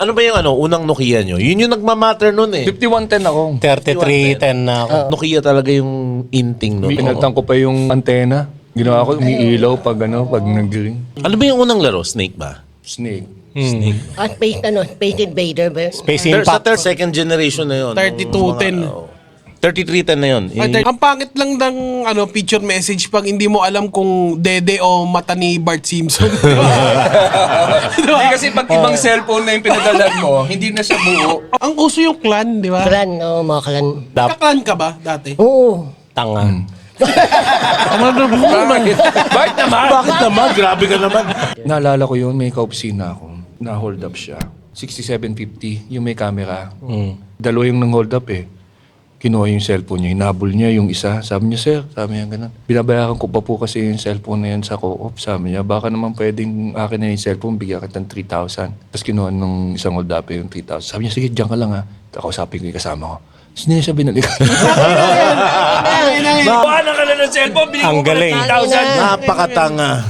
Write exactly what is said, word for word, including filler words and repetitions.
Ano ba yung ano, unang Nokia nyo? Yun yung nagmamatter nun eh. fifty-one ten ako. thirty-three ten na ako. Nokia talaga yung inting nun. Pinagtan ko pa yung antena. Ginawa ko, umiilaw pag ano, pag nag-ring. Ano ba yung unang laro? Snake ba? Snake. Snake. Ah, Space, ano, Space Invader ba? yun? Space Third, sa Impact. third, second generation na yun. thirty-two ten. thirty-three ten na yun. Ay, Eh, ang pangit lang ng ano, picture message pag hindi mo alam kung dede o mata ni Bart Simpson. Di ba? Di ba? Hindi kasi pag ibang cellphone na yung pinadalan mo, hindi na siya buo. Ang uso yung clan, di ba? Clan, oh, mga clan. Dap- Kaklan ka ba dati? Oo. Tanga. Bakit? Bakit naman? Bakit naman? Grabe ka naman. Naalala ko yun, may kaopisina ako. Na-hold up siya. sixty-seven fifty, yung may camera. Dalawa yung nang-hold up eh. Kinuha yung cellphone niya, hinabol niya yung isa. Sabi niya, sir, sabi niya ganun. Binabayaran ko pa po kasi yung cellphone na yan sa co-op. Sabi niya, baka naman pwedeng akin na yung cellphone, bigyan kita ng three thousand. Tapos kinuha nung isang hold up yung three thousand. Sabi niya, sige, diyan ka lang ha. Kausapin ko yung kasama ko. Tapos hindi na siya binalikan. Buwan na ka na ng cellphone, Ang galing. thousand. Napakatanga.